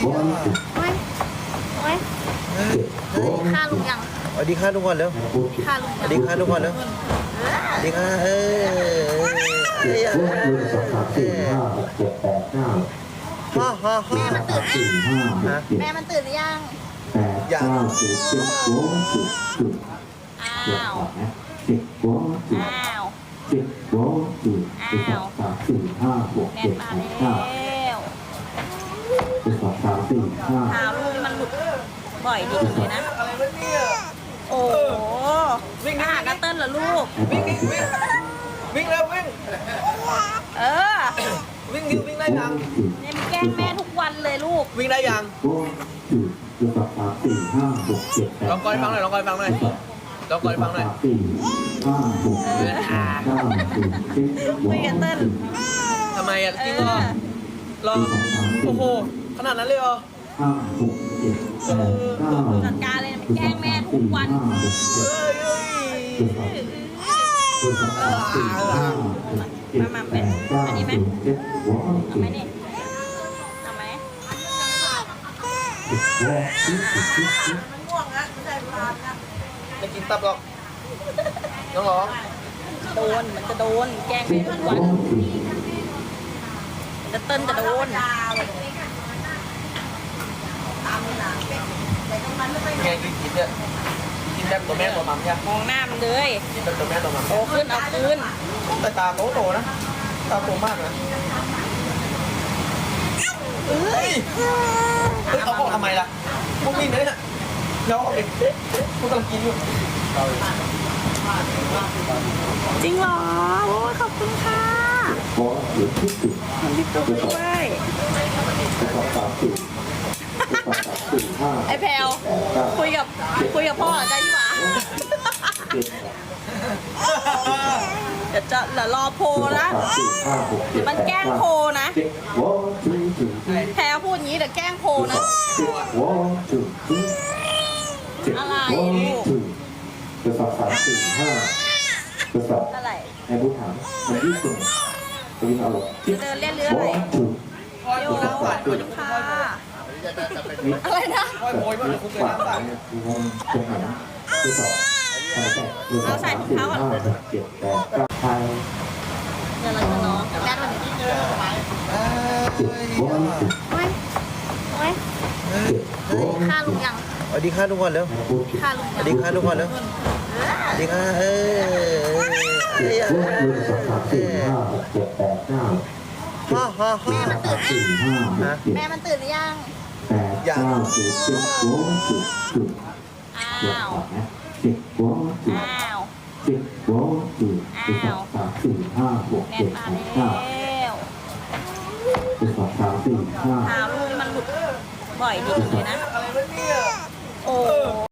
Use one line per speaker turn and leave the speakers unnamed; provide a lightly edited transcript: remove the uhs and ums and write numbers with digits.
โอ้ยโอ้ยฆ่าลุงยัง
สวัสดีค่ะทุกคนเร็ว
ฆ่าลุง
สวัสดีค่ะทุกคนเร็วสวัสดีค่ะฮ่าฮ่าฮ่า
แม่มันตื่นหรือยังอ้าวอ้าวอ้าวแม่มาแล้วข่าวลูกนี่มันหลุดบ่อยดีเลยนะโอ้โหวิ่งหานัตเติ้ลเหรอลูก
วิ่งแล้ววิ่ง
เออ
วิ่งวิ่งได้ยัง
เนี่ยมันแกล้งแม่ทุกวันเลยลูก
วิ่งได้ยังลองก่อนฟังหน่อยลองก่อนฟังหน่อยลองก่อนฟังหน่อย
วิ่งกันเติ้ล
ทำไมอ่ะจริงเหรอรอโอ้โหขนาดนั้นเลยเหรอ
จัดการเลยมันแกล้งแม่ทุกวัน
เฮ้ย
มาเป็นอันนี้ไหมเอาไหมนี่เอาไหม
ไม่กินตับหรอกน้องร้อง
โดนมันจะโดนแกล้งแม่ทุกวันจะเติ้ลจะโดน
ไงกินเนี่ยกินแบบตัวแม่ตัวมัมใช่ไหม
มองหน้ามันเลย
กินแบบตัวแม่ตัวมัม
โตขึ้นเอาคืน
แต่ตาโตนะตาโตมากนะเฮ้ยเอาออกทำไมล่ะพวกนี้เนี่ยเราออกเองพวกกำลังกินอยู่
จริงเหรอโอ้ยขอบคุณค่ะมันพี่ตุ๊กด้วยไอ้แพลวคุยกับพ่อได้ยี่หว่าเดี๋ยวรอโพลนะมันแกล้งโพลนะแพลวพูดอย่างนี้เดี๋ยวแกล้งโพลนะอะไรลูก
กระสอบกระสอบ
อะไร
ในผู้ถามมันยืดส่งตรงนี้เอาหรอ
เดินเล่นเรืออะไรโยขอบคุณค่ะอะไรนะ
โวยว่าจะคุกเลยน้ำตา
ตรงไหนกระสอบ
เอาใส่ถุงเท้าก่อน
7 8 9ไทย
เดี๋ยวเราจะน้องแม่มันโอ้ยโอ้ยฆ่าลุงยัง
สวัสดีค่ะทุกคนเร็ว
ฆ่าลุง
สวัสดีค่ะทุกคนเร็วสวัสดีค่ะฮ่าฮ่าฮ่า
แม่มันตื่นหรือยัง
8 9
อ้าวอ้าว แม่มาแล้วข่าวลูกนี่มันหลุดบ่อยดีเลยนะโอ้